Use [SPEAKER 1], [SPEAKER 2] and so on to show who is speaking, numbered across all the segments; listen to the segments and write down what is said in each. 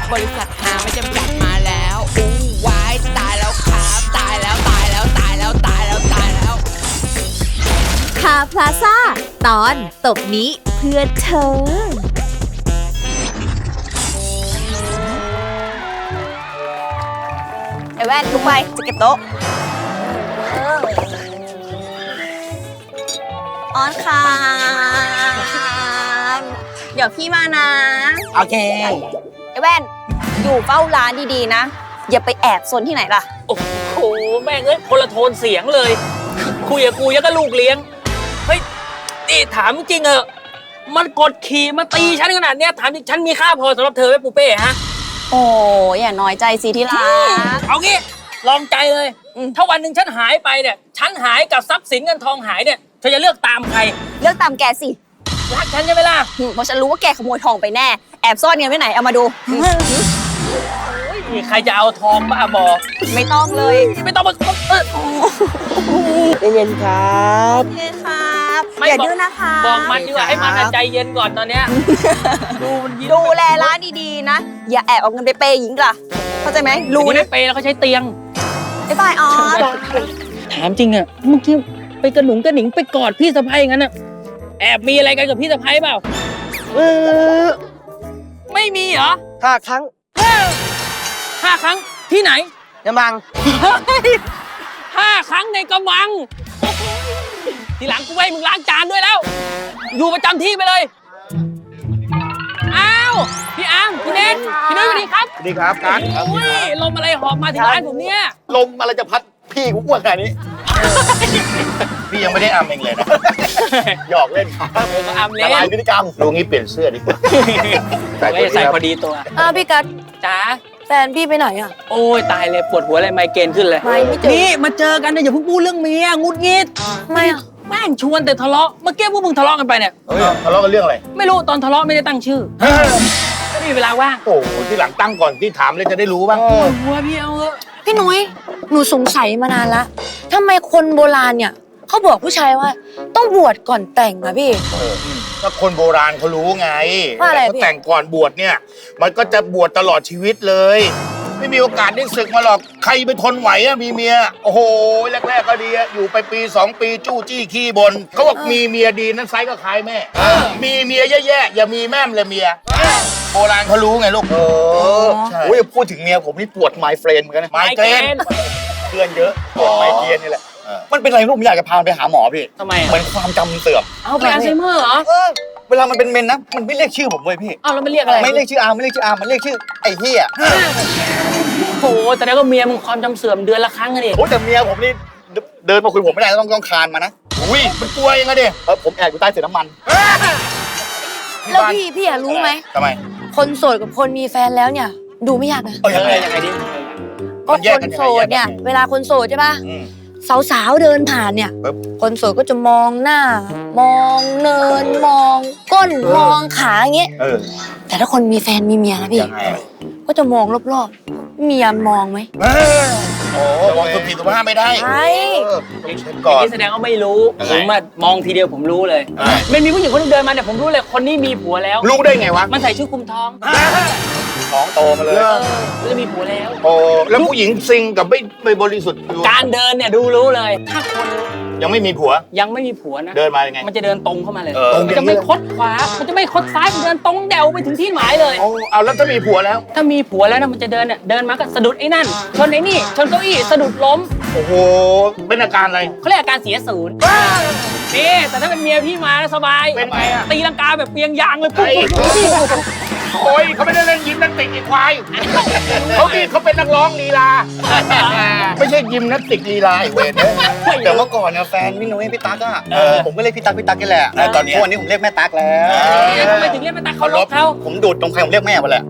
[SPEAKER 1] บริษัทหาไม่จำกัดมาแล้วอู้วายตายแล้วครับตายแล้วตายแล้วตายแล้วตายแล้วตายแล้ว
[SPEAKER 2] คาพลาซ่าตอนตบนี้เพื่อเธอ
[SPEAKER 3] ไอ้แว่นลุกไปจะเก็บโต๊ะออนค่ะเดี๋ยวพี่มานะ
[SPEAKER 4] โอเค
[SPEAKER 3] ไอ้แว่นอยู่เฝ้าร้านดีๆนะอย่าไปแอบซนที่ไหนล่ะ
[SPEAKER 4] โอ้โหแม่งเอ้ยคนละโทนเสียงเลย คุยกับกูยังก็ลูกเลี้ยงเฮ้ยนี่ถามจริงเหอะมันกดขี่มาตีฉันขนาดเนี้ยถามจริงฉันมีค่าพอสำหรับเธอไหมปูเป้ฮะ
[SPEAKER 3] โอ้อย่าน้อยใจสิที่รัก
[SPEAKER 4] เอางี้ลองใจเลยถ้าวันหนึ่งฉันหายไปเนี่ยฉันหายกับทรัพย์สินเงินทองหายเนี่ยเธอจะเลือกตามใคร
[SPEAKER 3] เลือกตามแกสิ
[SPEAKER 4] รักฉันใช่ไหมล่ะ
[SPEAKER 3] เพราะฉันรู้ว่าแกขโมยทองไปแน่แอบซ่อนเงินไว้ไหนเอามาดู
[SPEAKER 4] มีใครจะเอาทองบ้าบอ
[SPEAKER 3] ไม่ต้องเลย
[SPEAKER 4] ไม่ต้องมา
[SPEAKER 5] เย็นครับ
[SPEAKER 3] โอเคครับ
[SPEAKER 4] ไม่
[SPEAKER 3] อย่า
[SPEAKER 4] บอก
[SPEAKER 3] ดื้อนะคะ
[SPEAKER 4] บอกมันดีกว่าให้มันใจเย็นก่อนตอนเนี้ยดูมันยิ้ม
[SPEAKER 3] ดูแลร้านดีๆนะอย่าแอบเอาเงินไปเปย์หญิงล่ะเข้าใจไหมรู้
[SPEAKER 4] รู้
[SPEAKER 3] นะ
[SPEAKER 4] นะเปย์แล้วเขาใช้เตียง
[SPEAKER 3] บ๊ายบายออส
[SPEAKER 4] ถามจริงอะเมื่อกี้ไปกระหนุงกระหนิงไปกอดพี่สะใภ้งั้นอะแอบมีอะไรกันกับพี่สะใภ้เปล่าไม่มีเหรอ
[SPEAKER 5] 5 ครั้ง
[SPEAKER 4] 5 ครั้งที่ไหน
[SPEAKER 5] ยะมัง
[SPEAKER 4] 5 ครั้งในกระมังทีหลังกูให้มึงล้างจานด้วยแล้ว อยู่ประจำที่ไปเลยอ้าวพี่อาร์มพี่เนทพี่นุ้ยสวัสดีครับ
[SPEAKER 6] สวัสดีครับการ
[SPEAKER 4] โอ้ยลมอะไรหอบมาถึงร้านผมเนี่ย
[SPEAKER 6] ลมอะไรจะพัดพี่กูอ้วนขนาดนี้ พี่ยังไม่ได้อำเองเลยนะ หยอกเล่นครับ
[SPEAKER 4] ก็อาร์มเล่
[SPEAKER 6] ละลาย
[SPEAKER 4] น
[SPEAKER 6] พฤติกรรมลุงนี้เปลี่ยนเสื้อดีกว่า
[SPEAKER 4] ใส่พอดีตัว
[SPEAKER 3] พี่กัด
[SPEAKER 4] จ๋า
[SPEAKER 3] แฟนพี่ไปไหนอ่ะ
[SPEAKER 4] โอ้ยตายเลยปวดหัวอะไรไมเกรนขึ้นเลย
[SPEAKER 3] ไม่เจอ
[SPEAKER 4] นี่มาเจอกันเนี่ยอย่าเพิ่งพูดเรื่องเมียงุดงิด
[SPEAKER 3] ไม่อ่ะ
[SPEAKER 4] แม่งชวนแต่ทะเลาะเมื่อกี้พวกมึงทะเลาะกันไปเนี่ย
[SPEAKER 6] เฮ้ยทะเลาะกันเรื่องอะไร
[SPEAKER 4] ไม่รู้ตอนทะเลาะไม่ได้ตั้งชื่อไม่มีเวลาว่าง
[SPEAKER 6] โอ้โหที่หลังตั้งก่อนที่ถามเลยจะได้รู้บ้าง
[SPEAKER 4] ปวดหัวพี่เอาเถอะ
[SPEAKER 7] พี่นุ้ยหนูสงสัยมานานละทำไมคนโบราณเนี่ยเขาบอกผู้ชายว่าต้องบวชก่อนแต่งอะพี่
[SPEAKER 6] ก็คนโบราณเขารู้ไง
[SPEAKER 7] ว่าอะไร
[SPEAKER 6] แต่
[SPEAKER 7] พี่
[SPEAKER 6] เขาแต่งก่อนบวชเนี่ย มันก็จะบวชตลอดชีวิตเลย ไม่มีโอกาสได้ศึกมาหรอกใครไปทนไหวอะมีเมียโอ้โหแรกๆก็ดีอะอยู่ไปปี2 ปีจู้จี้ขี้บนเขาบอกมีเมียดีนั้นไซส์ก็คล้ายแม่มีเมียแย่ๆอย่ามีแม่มเลยเมียโบราณเขารู้ไงลูกใช่
[SPEAKER 5] โอ้ยพูดถึงเมียผมนี่ปวดไมเฟรนเหมือนกันนะ
[SPEAKER 6] ไมเกรน
[SPEAKER 5] เพื่อนเยอะปวดไมเกรนนี่แหละ
[SPEAKER 6] เออ
[SPEAKER 5] มันเป็นอะไรลูกผมอยากจะพามันไปหาหมอพี่
[SPEAKER 4] ทำไม
[SPEAKER 5] เหมือนความจำมันเสื่อม
[SPEAKER 4] เอาไปอัลไซเมอร์เหรอ
[SPEAKER 5] เวลามันเป็นเมนนะ มันไม่เรียกชื่อผมเว้ยพี่
[SPEAKER 4] เอาแล้วมันเรียกอะไร
[SPEAKER 5] ไม่เรียกชื่ออาร์มไม่เรียกชื่ออาร์มมันเรียกชื่อไอ้เหี้ย
[SPEAKER 4] โอ้โหแต่แล้วก็เมียมึงความจำเสื่อมเดือนละครั้งอะดิ
[SPEAKER 5] โอ้แต่เมียผมนี่เดินมาคุยผมไม่ได้ต้องคานมานะ
[SPEAKER 6] อุ้ยมันกลัวยังไงดิ
[SPEAKER 5] ผมแอบอยู่ใต้เศษน้ำมัน
[SPEAKER 7] แล้วพี่อะรู้ไหม
[SPEAKER 6] ทำไม
[SPEAKER 7] คนโสดกับคนมีแฟนแล้วเนี่ย ดูไม่ยากนะ
[SPEAKER 5] ยังไง
[SPEAKER 4] ยังไงดิ
[SPEAKER 7] ก็
[SPEAKER 6] มันแย
[SPEAKER 7] ค
[SPEAKER 6] ก
[SPEAKER 7] น
[SPEAKER 6] กันยังไง
[SPEAKER 7] โสดเนี่ย
[SPEAKER 6] แยกกันยังไง
[SPEAKER 7] เวลาคนโสดใช่ป่ะ
[SPEAKER 6] อืม
[SPEAKER 7] สาวๆเดินผ่านเนี่ย
[SPEAKER 6] ปึ๊บ
[SPEAKER 7] คนโสดก็จะมองหน้า มองเนินมองก้นมองขาอย่างเงี้ย
[SPEAKER 6] เออ
[SPEAKER 7] แต่ถ้าคนมีแฟนมีเมียนะพี่
[SPEAKER 6] ยังไง
[SPEAKER 7] ก็จะมองรอบๆเมียมองไหม
[SPEAKER 6] โอ้มองสุภีสุภาพไม่ได้
[SPEAKER 7] ใช่
[SPEAKER 6] เช็คก่อน
[SPEAKER 4] นี่แสดงว่าไม่รู้
[SPEAKER 6] ยัง
[SPEAKER 4] ผ
[SPEAKER 6] ไง
[SPEAKER 4] มอะมองทีเดียวผมรู้เลย
[SPEAKER 6] อะไร
[SPEAKER 4] มันมีผู้หญิงคนนึงเดินมาเนี่ยผมรู้เลยคนนี้มีผัวแล้ว
[SPEAKER 6] รู้ได้ไงวะ
[SPEAKER 4] มันใส่ชุดคลุมท้อง
[SPEAKER 5] ท้องโตมาเลย
[SPEAKER 4] มันจะมีผัวแล้ว
[SPEAKER 6] โอ้แล้วผู้หญิงซิงกับไม่บริสุทธิ์อยู่
[SPEAKER 4] การเดินเนี่ยดูรู้เลย ถ้าคน
[SPEAKER 6] ยังไม่มีผัว
[SPEAKER 4] ยังไม่มีผัวนะ
[SPEAKER 6] เดินมายังไง
[SPEAKER 4] มันจะเดินตรงเข้ามาเลย
[SPEAKER 6] เออ
[SPEAKER 4] มันจะไม่คดขวา มันจะไม่คดซ้าย มันเดินตรงเดวไปถึงที่หมายเลย
[SPEAKER 6] โอ้เอาแล้วถ้ามีผัวแล้ว
[SPEAKER 4] ถ้ามีผัวแล้วนะมันจะเดินเนี่ยเดินมาก็สะดุดไอ้นั่น ชนไอ้นี่ ชนเก้าอี้สะดุดล้ม
[SPEAKER 6] โอ้โห เป็นอาการอะไร
[SPEAKER 4] เขาเรียกอาการเสียศูนย์นี่แต่ถ้าเป็นเมียพี่มานะสบาย
[SPEAKER 6] เป็นไงอะ
[SPEAKER 4] ตีลังกาแบบเปียงยางเลยปุ๊บ
[SPEAKER 6] ไอ้ โอ้ยเขาไม่ได้เล่นยิมนาสติกไอ้ควายเขาเป็นนักร้องลีลา ไม่ใช่ยิมนาสติกลีลาไอ้เวรเนี่ย
[SPEAKER 5] แต่เมื่อก่อนเนี่ยแฟนพี่นุ้ยพี่ตั๊กอะ
[SPEAKER 6] เออ
[SPEAKER 5] ผมก็เรียกพี่ตั๊กกันแหละ
[SPEAKER 6] แล้วตอนเนี้ย
[SPEAKER 5] ทุกวันนี้ผมเรียกแม่ตั๊กแล้ว
[SPEAKER 4] ทำไมถึงเรียกมาตาเขาลบเขา
[SPEAKER 5] ผมดูดตรงใครผมเรียกแม่หมดแหละ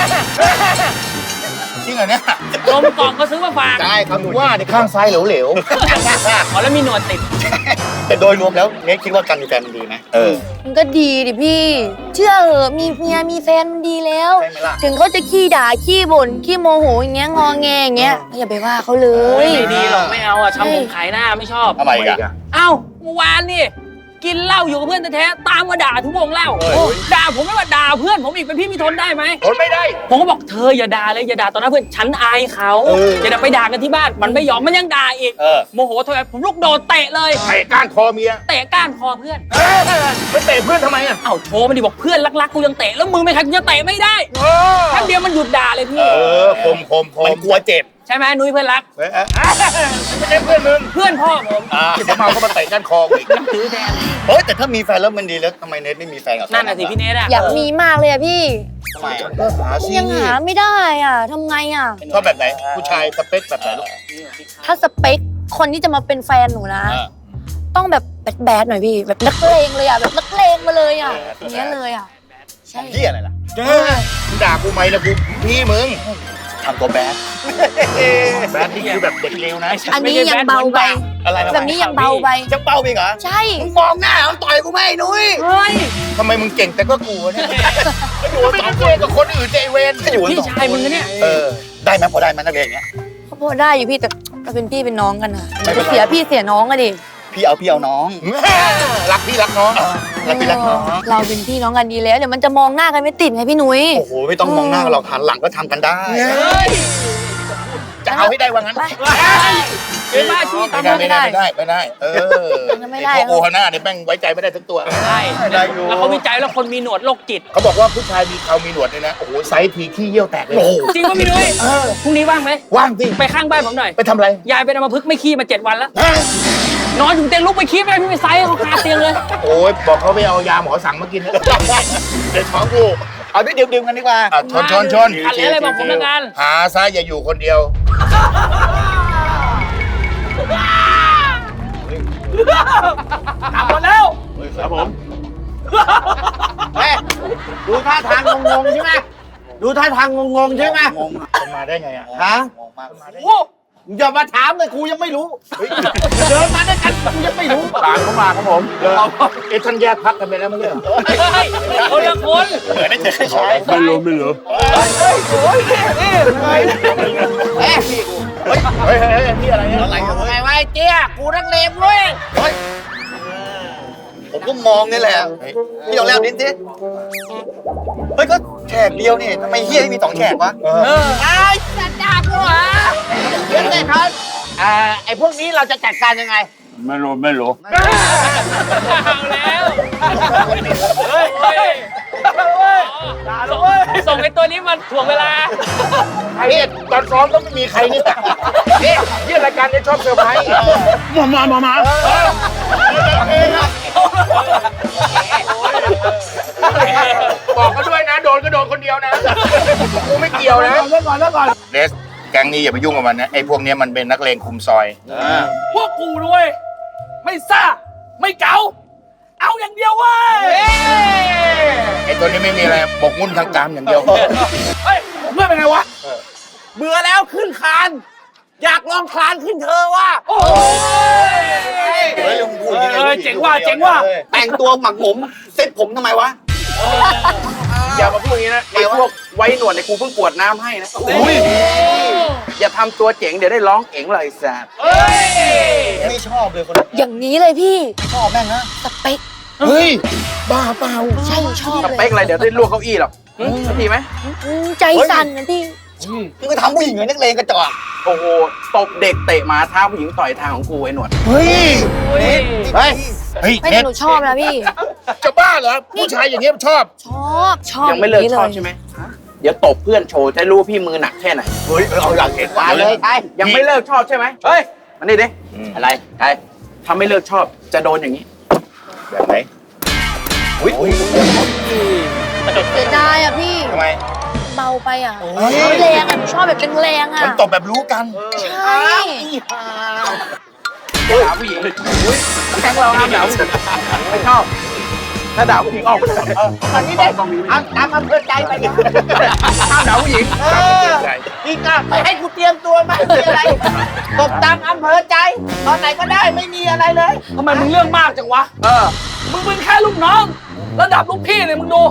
[SPEAKER 6] จริงเหรอเนี่ย
[SPEAKER 4] ลมกล่องก็ซื้อมาฝาก
[SPEAKER 5] ใช่ครับดู
[SPEAKER 6] ว่าในข้างซ้ายเหลว
[SPEAKER 4] อ๋อแล้วมีหนวดติด
[SPEAKER 5] แต่โดยรวมแล้วเนทคิดว่าการมีแฟนมันดีไหม
[SPEAKER 6] เออ
[SPEAKER 7] มันก็ดีดิพี่ เชื่อเหอะมีเมียมีแฟนมันดีแล้ว
[SPEAKER 5] ใช่ไหมล่ะ
[SPEAKER 7] ถึงเขาจะขี้ด่าขี้บ่นขี้โมโหอย่างเงี้ยงอแงอย่างเงี้ยอย่าไปว่าเขาเลย
[SPEAKER 4] ไม่ดีหรอกไม่เอาอ่ะทำผมขายหน้าไม่ชอบ
[SPEAKER 6] ทำไมอีกอะ
[SPEAKER 4] เอ้าเมื่อวานนี่กินเหล้าอยู่กับเพื่อนแท้ๆตามมาด่าทุกวงเหล้าด่าผมไม่ว่าด่าเพื่อนผมอีกเป็นพี่มีทนได้ไหม
[SPEAKER 6] ทนไม่ได้
[SPEAKER 4] ผมก็บอกเธออย่าด่าเลยอย่าด่าต่อหน้าเพื่อนฉันอายเขาอย่าไปด่ากันที่บ้านมันไม่ยอมมันยังด่าอีกโมโหโทรผมลุกโดดเตะเลย
[SPEAKER 6] เตะก้านคอเมีย
[SPEAKER 4] เตะก้านคอเพื่อน
[SPEAKER 6] ไปเตะเพื่อนทำไมอ่ะ
[SPEAKER 4] เอ้าโทรมาดิบอกเพื่อนรักๆกูยังเตะแล้วมึงไม่ใครกูจะเตะไม่ได้แค่เดียวมันหยุดด่าเลยพี่
[SPEAKER 6] คมมันกลัวเจ็บ
[SPEAKER 4] ใช่ไหมนุ้ยเพื่อนรัก
[SPEAKER 6] ไม่ใช่เพื่อนมึง
[SPEAKER 4] เพื่อนพ่อผม
[SPEAKER 6] ที่ผมเมาก็มาเตะก้านคออีก
[SPEAKER 4] ถือแทน
[SPEAKER 5] เฮ้ยแต่ถ้ามีแฟนแล้วมันดีแล้วทำไมเนทไม่มีแฟนกับเขา
[SPEAKER 4] นั่นน่ะสิพี่เนทอะ
[SPEAKER 7] อยากมีมากเลยอะพี่
[SPEAKER 5] ทำไมอะ
[SPEAKER 6] ก็หาสิ
[SPEAKER 7] ยังหาไม่ได้อ่ะทำไงอ่ะ
[SPEAKER 6] ชอบแบบไหน ผู้ชายสเปคแบบไหนลูก
[SPEAKER 7] ถ้าสเปคคนที่จะมาเป็นแฟนหนูนะ ต้องแบบแบดๆหน่อยพี่ แบบนักเลงเลยอ่ะ แบบนักเลงมาเลยอ่ะอย่างเงี้ยเลยอ่ะ ใช่
[SPEAKER 5] เหี้ยอะไรล่ะ
[SPEAKER 6] มึงด่ากูไหมนะกูพี่มึง
[SPEAKER 5] ทำตัวแบด
[SPEAKER 6] แบดนี่คือแบบเด็กเลวนะ
[SPEAKER 7] อันนี้ยังเบาไป
[SPEAKER 5] อะไรทำไม
[SPEAKER 7] แบบนี้ยังเบาไป
[SPEAKER 5] จะเป้าไปเหรอ
[SPEAKER 7] ใช่
[SPEAKER 5] มึงมองหน้ามันต่อยกูไหมไอ้นุ้ย
[SPEAKER 4] เฮ้ย
[SPEAKER 6] ทำไมมึงเก่งแต่ก็กลัวเนี่ยก็อยู่สองคนกับคนอื่นเจเวน
[SPEAKER 5] อยู่กัน
[SPEAKER 4] พี่
[SPEAKER 5] สอง
[SPEAKER 4] ชายมึงนะเนี่ย
[SPEAKER 5] ได้ไหมพอได้ไหมนักเรียนอย่างเงี้ย
[SPEAKER 7] เขาพอได้อยู่พี่แต่เราเป็นพี่เป็นน้องกันอ่ะ
[SPEAKER 5] ไม่เป็นไร
[SPEAKER 7] เสียพี่เสียน้องอะดิ
[SPEAKER 5] พี่เอาน้อง
[SPEAKER 6] รักพี่รักน้อง
[SPEAKER 5] รักพี่รักน้อง
[SPEAKER 7] เราเป็นพี่น้องกันดีแล้วเดี๋ยวมันจะมองหน้ากันไม่ติดไงพี่นุ้ย
[SPEAKER 5] โอ้โหไม่ต้องมองหน้าเราหันหลังก็ทำกันได้
[SPEAKER 6] จะเอาให้ได้ว่างั้น
[SPEAKER 7] ไป
[SPEAKER 4] เป็นบ้าชีตาม
[SPEAKER 6] ไม่ได้ไม่ได้ไม่ได้พวกโอฮาน่าเนี่ยแม่งไว้ใจไม่ได้ทั้งตัว
[SPEAKER 4] ใช่แล้วเขาวิจัยแล้วคนมีหนวดโรคจิต
[SPEAKER 6] เขาบอกว่าผู้ชายมีเขามีหนวดเนี่ยนะ โอ้โหไซส์ทีขี้เยี่ยวแตกเลย
[SPEAKER 4] จริงป่ะพี่นุ้ยพรุ่งนี้ว่างไหม
[SPEAKER 6] ว่างสิ
[SPEAKER 4] ไปข้างบ้านผมหน่อย
[SPEAKER 6] ไปทำอะไร
[SPEAKER 4] ยายเป็นอัมพฤกษ์ไม่ขี้มา7 วันแล้ว นอนอยู่เตียงลุกไปขี้ไม่ได้พี่ไปไซส์เขาคาเตียงเลย
[SPEAKER 6] โอ้ยบอกเขาไปเอายาหมอสั่งมากินนะเดี๋ยวท้องกู
[SPEAKER 5] เอาด้วยดื่มกันดีกว่า
[SPEAKER 6] ชน
[SPEAKER 4] ขัดเลยอะไรบอกผมทำงาน
[SPEAKER 6] หาซะอย่าอยู่คนเดียว
[SPEAKER 4] กลับหมดแล้ว
[SPEAKER 6] ครับผม
[SPEAKER 5] ดูท่าทางงงๆใช่ไหมดูท่าทางงงๆใช่ไหม
[SPEAKER 6] งงมันมาได้ไงอ่ะ
[SPEAKER 5] ฮะ
[SPEAKER 6] งงมากมาได้
[SPEAKER 5] อย่ามาถามเลยครูยังไม่รู้เดินมาด้วยกันครูยังไม่รู้
[SPEAKER 6] ตามเขามาครับผมเอ๊ะท่านแยกพักกันไปแล้วมั้งเนี่ย
[SPEAKER 4] คนละคน
[SPEAKER 6] เหมือนได้เจอใช่ไม่รู้เฮ้ยนี่อะไรเนี่ย
[SPEAKER 5] อะไรกัน
[SPEAKER 3] ไงวะไอ้เจี๊ยกูนักเลงเว้ย
[SPEAKER 5] ผมก็มองนี่แหละพี่ลองเล่าดิสิเฮ้ยก็แฉกเดียวนี่ทำไมเฮียมี2 แฉกวะ
[SPEAKER 3] ไอ้สัตว์ด่ากูเหรอเดี๋ยวเลยครับไอ้พวกนี้เราจะจัดการยังไง
[SPEAKER 6] ไม่รู้
[SPEAKER 4] เอาแล้วส่งไอ้ตัวนี้มาถ่วงเวลา
[SPEAKER 6] นี่ตอนซ้อมก็ไม่มีใครนี่นี่ยี่รายการนี้ชอบเซอร์ไพรส์มาบอกเขาด้วยนะ โดนก็โดนคนเดียวนะกูไม่เกี่ยวนะเดสแก๊งนี้อย่าไปยุ่งกับมันนะไอ้พวกนี้มันเป็นนักเลงคุมซอย
[SPEAKER 4] พวกกูด้วยไม่ซ่าไม่เก๋าเอาอย่างเดียวเว้ย
[SPEAKER 6] ไอ้ตัวนี้ไม่มีอะไรบกมุ่นทางกามอย่างเดียว
[SPEAKER 4] เฮ้ยเพื่อนเป็นไงวะ
[SPEAKER 3] เบื่อแล้วขึ้นคาน อยากลองคลานขึ้นเธอว่ะ
[SPEAKER 4] โอ้ย
[SPEAKER 5] เฮ้ยลุงพูดอย่างนี้
[SPEAKER 4] เจ๋งว่ะ
[SPEAKER 5] แต่งตัวหมักหมมเซ็ตผมทำไมวะ
[SPEAKER 8] อย่ามาพูดอย่างนี้นะไอ้พวกไว้หนวดในยกูเพิ่งกรวดน้ำให้นะอย่าทำตัวเจ๋งเดี๋ยวได้ร้องเอ๋งเลยแซ่บ
[SPEAKER 4] เฮ้ย
[SPEAKER 5] ไม่ชอบเลยคน
[SPEAKER 7] อย่างนี้เลยพี่
[SPEAKER 5] ชอบแม่งนะ
[SPEAKER 7] สเปค
[SPEAKER 6] เฮ้ยบ้าเปล่า
[SPEAKER 7] ใช่ชอบ
[SPEAKER 8] ส
[SPEAKER 7] เลย
[SPEAKER 8] เปคอะไรเดี๋ยวได้ลวกเก้าอี้หรอกสักทีไหม
[SPEAKER 7] ใจสั่นนะพี่
[SPEAKER 5] มึงก็ทำผู้หญิงเหมือนนักเลงกระจอก
[SPEAKER 8] โอ้โหตบเด็กเตะหมาเท้าผู้หญิงต่อยทางของกูไอ้หนวด
[SPEAKER 6] เฮ้ย
[SPEAKER 4] เฮ้ย
[SPEAKER 6] เฮ้ย
[SPEAKER 7] ไม่
[SPEAKER 6] เน็
[SPEAKER 7] แต่
[SPEAKER 6] ต
[SPEAKER 7] หนูชอบนะพี่
[SPEAKER 6] จะบ้าเหรอผู้ชายอย่างเงี้ยชอบ
[SPEAKER 7] ชอบ
[SPEAKER 8] ยังไม่เลิก
[SPEAKER 7] ย่า
[SPEAKER 8] ชอบใช่ไหมเดี๋ยวตบเพื่อนโชว์จะรู้ว่าพี่มือหนักแค่ไหน
[SPEAKER 5] เฮ้ยเอาอยากเห็น
[SPEAKER 3] มาเลยใช่
[SPEAKER 8] ยังไม่เลิกชอบใช่ไหมเฮ้ยมานี่ดิอะไรใครถ้าไม่เลิกชอบจะโดนอย่างนี้
[SPEAKER 6] แบบไหนอุ้ย
[SPEAKER 7] เสียดายอ่ะพี่
[SPEAKER 6] ทำไม
[SPEAKER 7] เบาไปอ่ะแรงอ่ะหนูชอบแบบแรงๆอ่ะ
[SPEAKER 6] มันตบแบบรู้กัน
[SPEAKER 7] ใช่
[SPEAKER 8] ด่าผู้หญิงแก๊งเราห้ามด่าผู้หญิงไม่ชอบ ถ้าด่าผู้หญิงออกไปเลย
[SPEAKER 3] ตอนนี้ได้เอาตามอำเภอใจไปเนี่ย
[SPEAKER 8] ห้ามด่าผู้หญิง
[SPEAKER 3] นี่ก็ไปให้กูเตรียมตัวมามีอะไรตบตามอำเภอใจ ตอนไหนก็ได้ไม่มีอะไรเลย
[SPEAKER 4] ทำไมมึงเรื่องมากจังวะ มึงแค่ลูกน้อง ระดับลูกพี่เลยมึงดู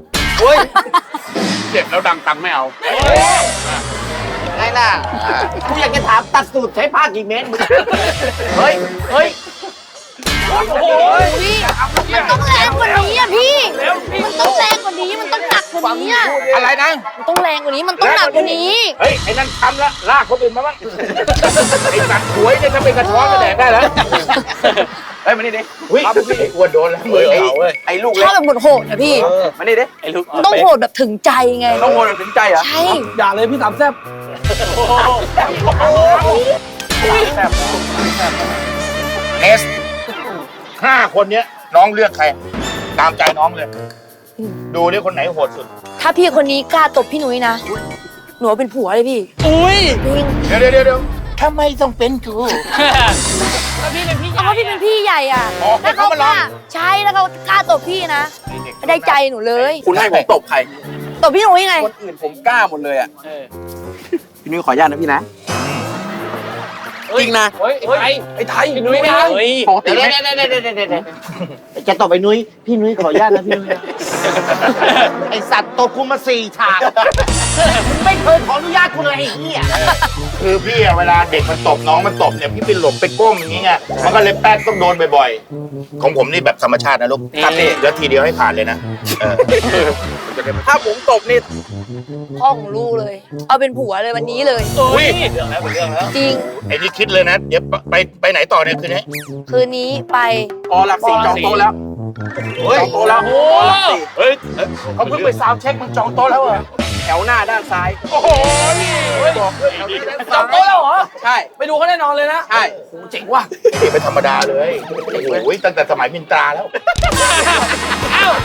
[SPEAKER 6] เจ็บแล้วดังตังไม่เอา
[SPEAKER 3] ไงล่ะกูอยากจะถามตัดสูตรใช้ผ้ากี่เมตรมึงเฮ้ย
[SPEAKER 7] มันต้องแรงกว่านี้อ่ะพี่ มันต้องแรงกว่านี้ มันต้องหนักกว่านี้อ่ะ
[SPEAKER 6] อะไรนะ
[SPEAKER 7] มันต้องแรงกว่านี้ มันต้องหนักกว่านี้
[SPEAKER 6] เฮ้ย ไอ้นั่นทำละลากคนอื่นมาบ้าง ไอ้สัตว์หวยเนี่ยถ้าเป็นกระท้อนก็แดกได้แล้ว
[SPEAKER 8] เฮ้ยมานี่ดิ
[SPEAKER 6] อุ้ยไอ้อ้วนโดนแล้วมือเขาเว้ย
[SPEAKER 8] ไอ้ลูก
[SPEAKER 7] ช
[SPEAKER 8] เล็
[SPEAKER 7] อก บแบบโหดๆนะพี่
[SPEAKER 8] มานี่ดิไอ้ลูก
[SPEAKER 7] มันต้องโหดแบบถึงใจไง
[SPEAKER 8] ต้องโหดถึงใจเหรอ
[SPEAKER 7] ใช่
[SPEAKER 8] อย่าเลยพี่สามแซ่บ
[SPEAKER 6] เนส5 คนเนี้ยน้องเลือกใคร ตามใจน้องเลย ดูนี่คนไหนโหดสุด
[SPEAKER 7] ถ้าพี่คนนี้กล้าตบพี่หนุ่ยนะ หนูเอาเป็นผัวเลยพี่
[SPEAKER 4] อุ้ย
[SPEAKER 7] จริง
[SPEAKER 6] เดี๋ยวทำไมต้องเป็นกู
[SPEAKER 4] แล้วพี่เป็นพี่ให
[SPEAKER 7] เพ
[SPEAKER 4] ญ่
[SPEAKER 7] ราะว่าพี่เป็นพี่ใหญ่อ่ะ
[SPEAKER 6] อ๋อ
[SPEAKER 7] ถ้าเขา
[SPEAKER 6] เขามาก ลอ
[SPEAKER 7] ล้าง ใช่แล้วเขากล้าตบพี่นะ ได้ใจหนูเลย
[SPEAKER 8] คุณให้ผมตบใคร
[SPEAKER 7] ตบพี่หนุ่ยไง
[SPEAKER 8] คนอื่นผมกล้าหมดเลยอ่ะพี่นุ้ยขออนุญาตนะพี่นะ จริงนะ
[SPEAKER 4] เฮ้ยไอ้ไทย
[SPEAKER 8] ไอ้นุ้ยไม่
[SPEAKER 4] เฮ้ย
[SPEAKER 8] ปกติ
[SPEAKER 3] เดี๋ยว
[SPEAKER 8] ไม่
[SPEAKER 3] จะตบไอ้นุ้ยพี่นุ้ยขออนุญาตนะพี่นุ้ยนะไอสัตว์ตบกูมา4 ฉากมึงไม่เคยขออนุญาตกูเลยไอ้เหี้ย
[SPEAKER 6] คือพี่อะเวลาเด็กมันตบน้องมันตบเนี่ยพี่ไปหลบไปก้มอย่างงี้ไงมันก็เลยแป๊กต้องโดนบ่อยๆ ของผมนี่แบบธรรมชาตินะลูก
[SPEAKER 8] ครับพี่
[SPEAKER 6] แล้วทีเดียวให้ผ่านเลยนะจะได้ไม่
[SPEAKER 8] ถ้าผมตบนี่
[SPEAKER 7] พ่อของลูกเลย เอาเป็นผัวเลยวันนี้เลย
[SPEAKER 6] อุ้ยเรื่องแล้วเป็นเรื่องแล้ว
[SPEAKER 7] จริง
[SPEAKER 6] ไอ้นี่คิดเลยนะ เดี๋ยวไปไหนต่อเนี่ยคืนนี้
[SPEAKER 7] คืนนี้ไป
[SPEAKER 8] พอหลักสี่จองโต๊ะแล้ว
[SPEAKER 6] เฮ้ย
[SPEAKER 8] จองโต๊ะแล้ว
[SPEAKER 4] โอ้
[SPEAKER 8] พอหลักสี่
[SPEAKER 6] เฮ้ยเขาเพิ่งไปซาวด์เช็คมึงจองโต๊ะแล้วเหรอ
[SPEAKER 8] แถวหน้าด้านซ้าย
[SPEAKER 6] โอ้โหนี่บอกเลยแถวนี้นะ
[SPEAKER 4] จำโต๊ะแล้วเหรอ
[SPEAKER 8] ใช่
[SPEAKER 4] ไปดูเขาแน่นอนเลยนะ
[SPEAKER 8] ใช่
[SPEAKER 4] เจ๋งว่ะ
[SPEAKER 6] นี่เป็นธรรมดาเลยโอ้ยตั้งแต่สมัยมินตราแล้ว
[SPEAKER 4] เอ้า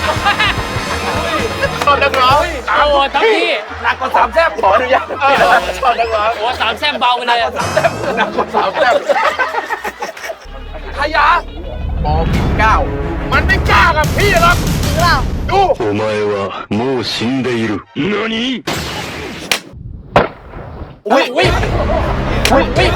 [SPEAKER 6] ชอบนักร้อง
[SPEAKER 4] โอ้ทั้งพี่
[SPEAKER 8] หนักกว่าสามแซ่บขออนุญาต
[SPEAKER 6] ชอบนักร้อง
[SPEAKER 4] โอ้3 แซ่บเบาไปเลยอะ
[SPEAKER 8] หนักกว่าสามแซ่บขยะปอปิดเก้า
[SPEAKER 6] มันไม่กล้ากับพี่หรอก
[SPEAKER 7] จริงเปล่า
[SPEAKER 6] ดู
[SPEAKER 9] お前はもう死んでいる。何
[SPEAKER 8] อุ้ย
[SPEAKER 4] อุ้ยอุ้ย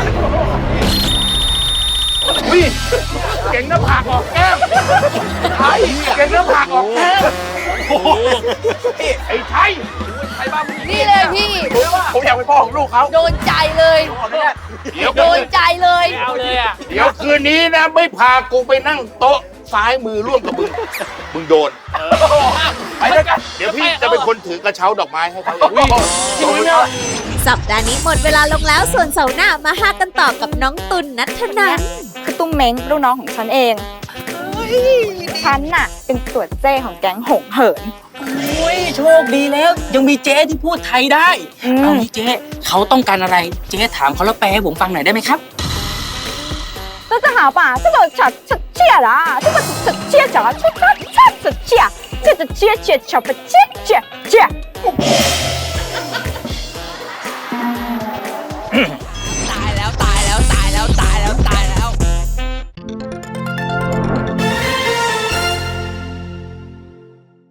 [SPEAKER 6] อุ้ยเก่งหน้าผากออกแก้มไทยเก่งหน้าผากออกแก้มไอ้ไทย
[SPEAKER 7] นี่เลยพี่
[SPEAKER 8] ผมอยากเป็นพ่อของลูกเขา
[SPEAKER 7] โดนใจเลย
[SPEAKER 8] ขออนุญาต
[SPEAKER 6] เดี๋ยว
[SPEAKER 7] โดนใจเลย
[SPEAKER 4] ไม่เอาเลยอ่ะ
[SPEAKER 6] เดี๋ยวคืนนี้นะไม่พากูไปนั่งโต๊ะซ้ายมือร่วมกับมึงโดน
[SPEAKER 8] ไปด้วยกัน
[SPEAKER 6] เดี๋ยวพี่จะเป็นคนถือกระเช้าดอกไม้ให้เขา
[SPEAKER 2] สัปดาห์นี้หมดเวลาลงแล้วส่วนเสาร์หน้ามาหากันต่อกับน้องตุลนัทนัน
[SPEAKER 10] คือตุ้มเม้งลูกน้องของฉันเอง ฉันน่ะ เป็นตัวเจ้ของแก๊งหงเหิน
[SPEAKER 4] อุ้ยโชคดีแล้ว ยังมีเจ๊ที่พูดไทยได้ เอางี้เจ๊เขาต้องการอะไร เจ๊ถามเขาแล้วแปลให้ผมฟังหน่อยได้ไหมครับ
[SPEAKER 10] 大家好吧，这个切啦，这个切着，这个切，这个切切不切切切。